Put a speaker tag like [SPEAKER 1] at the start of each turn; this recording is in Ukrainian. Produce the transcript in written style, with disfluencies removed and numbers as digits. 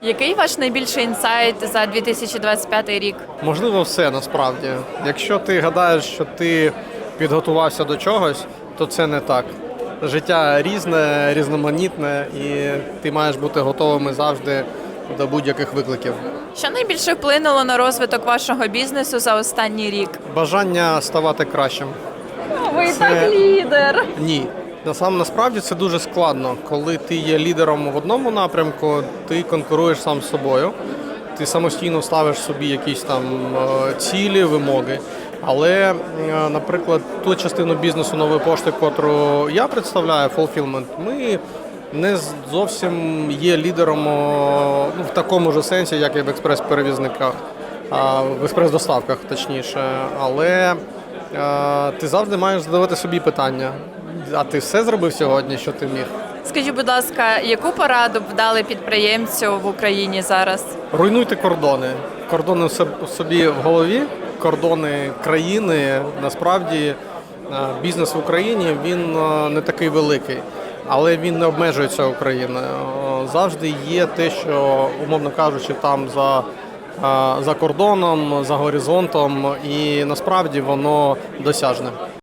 [SPEAKER 1] Який ваш найбільший інсайт за 2025 рік?
[SPEAKER 2] Можливо, все насправді. Якщо ти гадаєш, що ти підготувався до чогось, то це не так. Життя різне, різноманітне, і ти маєш бути готовим завжди до будь-яких викликів.
[SPEAKER 1] Що найбільше вплинуло на розвиток вашого бізнесу за останній рік?
[SPEAKER 2] Бажання ставати кращим.
[SPEAKER 1] Ви
[SPEAKER 2] Це-
[SPEAKER 1] так лідер.
[SPEAKER 2] Ні. Насправді це дуже складно. Коли ти є лідером в одному напрямку, ти конкуруєш сам з собою, ти самостійно ставиш собі якісь там цілі, вимоги. Але, наприклад, ту частину бізнесу Нової пошти, котру я представляю, Fulfillment, ми не зовсім є лідером в такому ж сенсі, як і в експрес-перевізниках, в експрес-доставках, точніше. Але ти завжди маєш задавати собі питання. А ти все зробив сьогодні, що ти міг?
[SPEAKER 1] Скажіть, будь ласка, яку пораду б дали підприємцю в Україні зараз?
[SPEAKER 2] Руйнуйте кордони. Кордони собі в голові, кордони країни. Насправді бізнес в Україні, він не такий великий, але він не обмежується Україною. Завжди є те, що, умовно кажучи, там за кордоном, за горизонтом, і насправді воно досяжне.